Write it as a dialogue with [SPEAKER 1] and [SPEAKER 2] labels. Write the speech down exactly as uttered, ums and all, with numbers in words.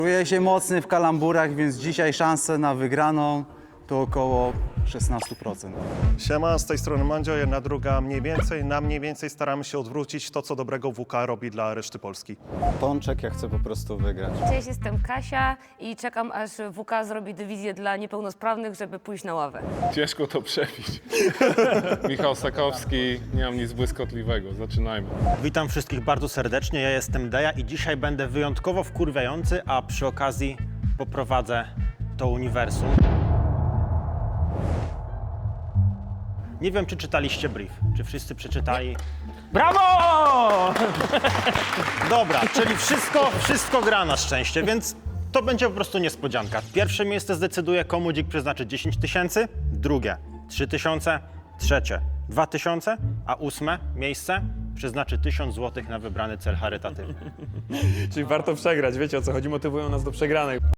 [SPEAKER 1] Czuję się mocny w kalamburach, więc dzisiaj szanse na wygraną to około szesnaście procent.
[SPEAKER 2] Siema, z tej strony Mandzio, jedna druga mniej więcej. Na mniej więcej staramy się odwrócić to, co dobrego W K robi dla reszty Polski.
[SPEAKER 3] Pączek, ja chcę po prostu wygrać.
[SPEAKER 4] Cześć, jestem Kasia i czekam, aż W K zrobi dywizję dla niepełnosprawnych, żeby pójść na ławę.
[SPEAKER 5] Ciężko to przebić. Michał Sakowski, nie mam nic błyskotliwego. Zaczynajmy.
[SPEAKER 6] Witam wszystkich bardzo serdecznie, ja jestem Deja i dzisiaj będę wyjątkowo wkurwiający, a przy okazji poprowadzę to uniwersum. Nie wiem, czy czytaliście brief, czy wszyscy przeczytali. Brawo! Dobra, czyli wszystko, wszystko gra na szczęście, więc to będzie po prostu niespodzianka. Pierwsze miejsce zdecyduje, komu dzik przeznaczy dziesięć tysięcy, drugie trzy tysiące, trzecie dwa tysiące, a ósme miejsce przeznaczy tysiąc złotych na wybrany cel charytatywny.
[SPEAKER 7] Czyli warto przegrać, wiecie o co chodzi, motywują nas do przegranej.